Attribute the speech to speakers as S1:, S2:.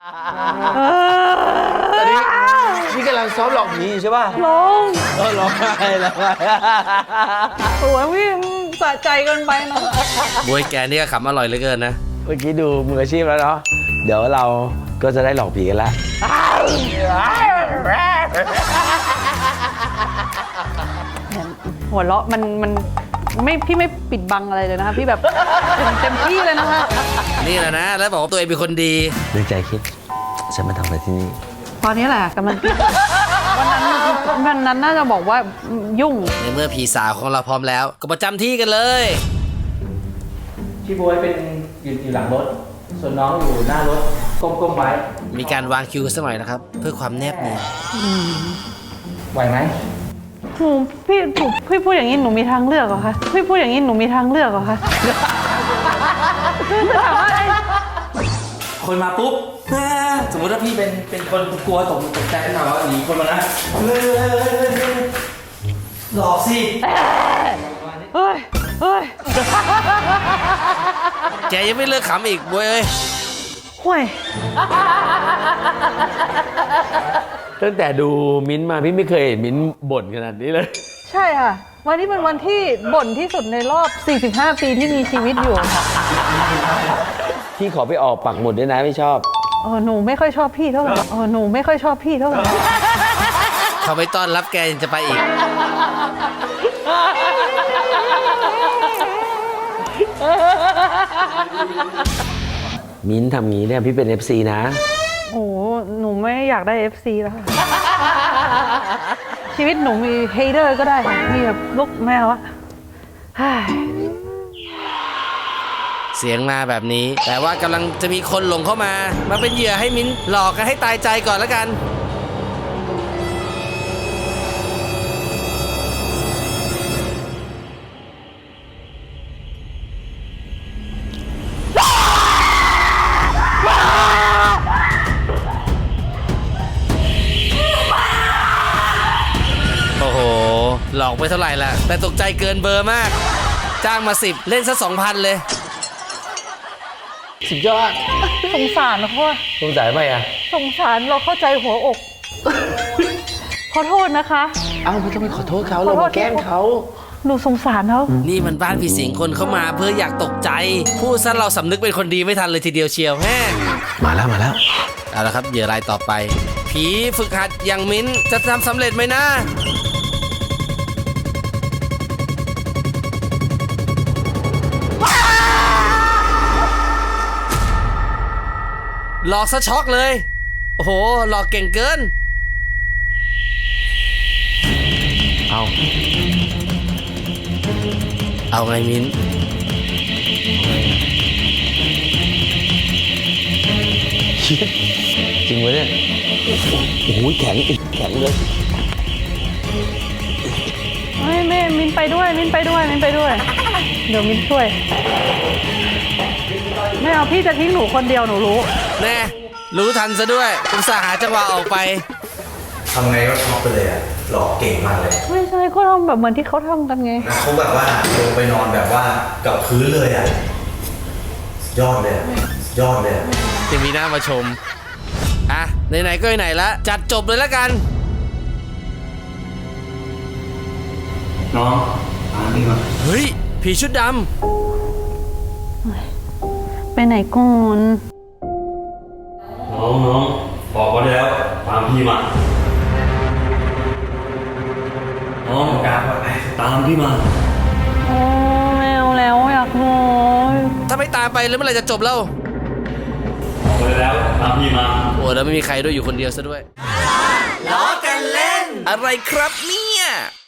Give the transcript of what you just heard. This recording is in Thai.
S1: ตอนนี้พี่กำลังซ้อมหลอกผีใช่ป่ะ
S2: ร้อง
S1: ร้องไห้แล้ว
S2: โอ้ยพี่สะใจเกินไปนะ
S3: บวยแกนี่ก็ขำอร่อยเหลือเกินนะ
S1: เมื่อกี้ดูมืออาชีพแล้วเนาะเดี๋ยวเราก็จะได้หลอกผีกันแล้ว
S2: หัวเราะมันไม่พี่ไม่ปิดบังอะไรเลยนะคะพี่แบบเต็มที่เลยนะคะ
S3: นี่แหละนะแล้วบอกว่าตัวเองเป็นคนดี
S1: ในใจคิดฉันมาทำอะไรที่นี่
S2: ตอนนี้แหละกำลังวันนั้นน่าจะบอกว่ายุ่ง
S3: ในเมื่อผีสาวของเราพร้อมแล้ว ก็ประจำที่กันเลย
S4: พี่บวยเป็นอยู่หลังรถ ส่วนน้องอยู่หน้ารถก้มๆไว้
S3: มีการวางคิวสักหน่อยนะครับ เพื่อความแนบเนียน
S4: ไหวไหม
S2: พี่พูดอย่างนี้หนูมีทางเลือกเหรอคะพี่พูดอย่างนี้หนูมีทางเลือกเหรอคะคือถามว่าไอ้
S4: คนมาปุ๊บสมมติถ้าพี่เป็นคนกลัวตกใจขึ้นมาว่าหนีคนมานะหลอกสิ
S2: เฮ้ย
S3: แกยังไม่เลิกขำอีกบวยเอ้ย
S2: ห่วย
S1: ตั้งแต่ดูมิ้นท์มาพี่ไม่เคยเห็นมิ้นท์บ่นขนาดนี้เลย
S2: ใช่ค่ะวันนี้เป็นวันที่บ่นที่สุดในรอบ 45 ปีที่มีชีวิตอยู่ค่ะ
S1: พี่ขอไปออกปักหมุดด้วยนะไม่ชอบ
S2: หนูไม่ค่อยชอบพี่เท่าไหร่หนูไม่ค่อยชอบพี่เท่าไหร่
S3: เขาไม่ต้อนรับแกยังจะไปอีก
S1: มิ้นท์ทำงี้เนี่ยพี่เป็น FC นะ
S2: โอ้หนูไม่อยากได้ FC แล้วค่ะชีวิตหนูมีเฮเดอร์ก็ได้ค่ะมีแบบลูกแมวอะ
S3: เสียงมาแบบนี้ แต่ว่ากำลังจะมีคนหลงเข้ามาเป็นเหยื่อให้มิ้นหลอกกันให้ตายใจก่อนแล้วกัน โอ้โห หลอกไปเท่าไหร่ละแต่ตกใจเกินเบอร์มาก จ้างมา10เล่นซะ 2,000 เลย
S1: สุดยอด
S2: สงสารนะพ่อ
S1: สงสัยไหมอ่ะ
S2: สงสารเราเข้าใจหัวอก ขอโทษนะคะ
S1: เอ้าไม่ต้องไปขอโทษเขาเรามาแกล้งเขา
S2: หนูสงสารเขา
S3: นี่มันบ้านผีสิงคนเข้ามาเพื่ออยากตกใจ พูดซะเราสำนึกเป็นคนดีไม่ทันเลยทีเดียวเชียวแฮ่
S1: มาแล้ว
S3: เอาละครับเหยื่อรายต่อไป ผีฝึกหัดอย่างมิ้นจะทำสำเร็จไหมนะหลอกซะช็อกเลย โอ้โห หลอกเก่งเกิน เอาไงมิ้น
S1: จริงวะเนี่ยโอ้โหแข็งเลย
S2: แม่มินไปด้วยเดี๋ยวมินช่วยไม่เอาพี่จะทิ้งหนูคนเดียวหนูรู้
S3: แน่รู้ทันซะด้วยอุตส่าห์หาจังหวะออกไป
S5: ทำไงก็ช็อกไปเลยอะหลอกเก่งมากเลย
S2: ไม่ใช่ก็ทำแบบเหมือนที่เขาทำกันไง
S5: นะเขาแบบว่าลงไปนอนแบบว่ากับพื้นเลยอ่ะยอดเลยอะยอดเลยอะ
S3: จะมีหน้ามาชม อ่ะ ไหนๆก็ไหนๆละจัดจบเลยละกัน
S5: น้องตามพี่มา
S3: เฮ้ย ผีชุดด
S2: ไปไหนก่อน
S6: น้องบอกไว้แล้วตามพี่มาน้องตามพี่มา
S2: โอ้ไม่เอาแล้วอยากนอน
S3: ำถ้าไม่ตามไปแล้วเมื่อไหร่จะจบแล้ว
S6: บอกไว้แล้วตามพี่มา
S3: โอ้แล้วไม่มีใครด้วยอยู่คนเดียวซะด้วยล้อกันเล่น อะไรครับเนี่ย